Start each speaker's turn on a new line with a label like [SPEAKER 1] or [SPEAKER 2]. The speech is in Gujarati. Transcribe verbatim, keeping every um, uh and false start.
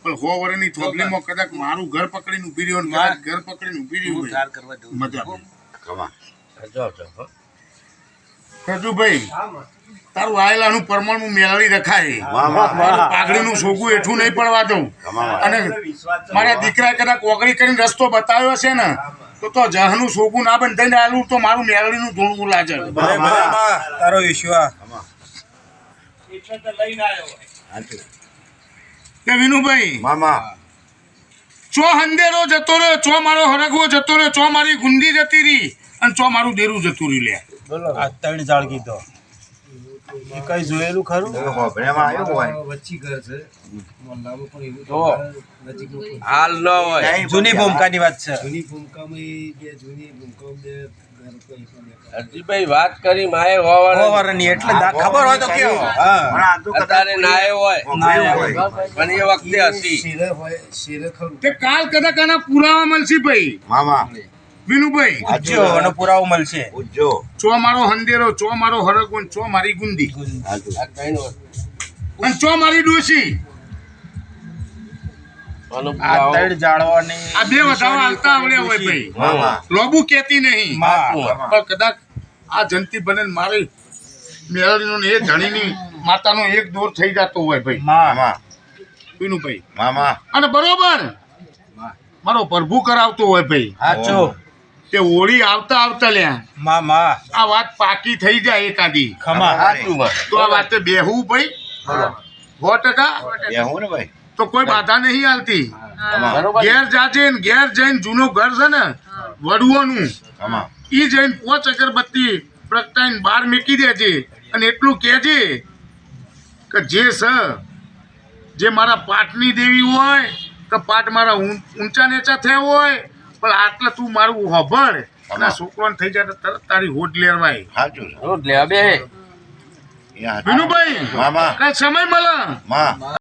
[SPEAKER 1] પણ સો વર્ષની થોભલીમાં કદાચ મારું ઘર પકડીને ઊભી રહ્યો ને કદાચ ઘર પકડીને ઊભી રહ્યું હોય મજા રાજુભાઈ તારું આયેલાનું પરમાણુ મેળવી રખાય પાઘડીનું સોગું એઠું નહીં પડવા દઉં અને મારા દીકરા કદાચ ઓગળી કરીને રસ્તો બતાવ્યો છે ને તો તો જહનું સોગું ના બંધાઈને આલું તો મારું મેળવીનું ધૂળવું લાગે
[SPEAKER 2] તારો વિશ્વાસ
[SPEAKER 1] કે વિનુભાઈ
[SPEAKER 3] મામા
[SPEAKER 1] ચો હંદેરો જતો રહ્યો ચો મારો હરગવો જતો રહ્યો ચો મારી ગુંદી જતી રહી અને ચો મારું દેરું જતું રહ્યું લે
[SPEAKER 2] આ ત્રણ જાળ કીધો એ કઈ જોયેલું ખરું
[SPEAKER 4] હાલ ન હોય
[SPEAKER 2] જૂની ભૂમિકાની વાત છે
[SPEAKER 4] હરજીભાઈ વાત કરી માએ હોવાના
[SPEAKER 2] ઓવરની એટલે દા- ખબર હોય તો કેવો
[SPEAKER 4] અત્યારે નાય હોય પણ એ વખતે હતી
[SPEAKER 1] તે કાલ કદાચ આના પુરાવા મળશે ભાઈ
[SPEAKER 3] મામા
[SPEAKER 1] વિનુભાઈ
[SPEAKER 2] સાચો એનો પુરાવો મળશે
[SPEAKER 3] ઉજ્જો
[SPEAKER 1] ચો મારો હંદેરો ચો મારો હરગવો ને ચો મારી ગુંદી
[SPEAKER 4] આ ત્રણ વર્ષ.
[SPEAKER 1] અને ચો મારી ડોશી
[SPEAKER 4] આનો
[SPEAKER 2] આ
[SPEAKER 4] પુરાવો
[SPEAKER 2] ત્રણ જાળવાની
[SPEAKER 1] આ બે વધાવા હાલતા આવડ્યા હોય ભાઈ
[SPEAKER 3] મામા
[SPEAKER 1] લોબુ કેતી નહીં
[SPEAKER 2] માં.
[SPEAKER 1] પણ કદાચ આ જંતી બને ને મારી મેળવીનો ને એ ધણીની માતાનો એક દોર થઈ જતો હોય ભાઈ
[SPEAKER 2] માં
[SPEAKER 3] મામા
[SPEAKER 1] વિનુભાઈ
[SPEAKER 3] મામા
[SPEAKER 1] અને બરોબર મારો પ્રભુ કરાવતો હોય ભાઈ
[SPEAKER 2] સાચો
[SPEAKER 1] તે હોળી આવતા આવતા લ્યા
[SPEAKER 2] માં માં
[SPEAKER 1] આ વાત પાકી થઈ જાય એકાદી
[SPEAKER 2] ખમા
[SPEAKER 4] સાચું વાત.
[SPEAKER 1] તો આ વાતે બેહવું ભાઈ સો ટકા
[SPEAKER 3] બેહું ને ભાઈ
[SPEAKER 1] તો કોઈ બાધા નહીં હાલતી
[SPEAKER 4] બરોબર
[SPEAKER 1] ઘેર જાજે ને ઘેર જઈને જૂનું ઘર છે ને વડુઓનું
[SPEAKER 3] મામા
[SPEAKER 1] ઈ જઈને પોચ અગરબત્તી પ્રગટાઈને બહાર મૂકી દેજે અને એટલું કહેજે કે જે સ જે મારા પાટની દેવી હોય કે પાટ મારા ઊં- ઊંચા નીચા થયા હોય પણ આટલે તું મારું હોભળ અને આ છોકરોને થઈ જાય તો તરત તારી હોટ લેવાય
[SPEAKER 3] સાચું છે
[SPEAKER 4] રોજ લે બે
[SPEAKER 3] યા
[SPEAKER 1] વિનુભાઈ
[SPEAKER 3] મામા
[SPEAKER 1] કઈ સમય મળે
[SPEAKER 3] મા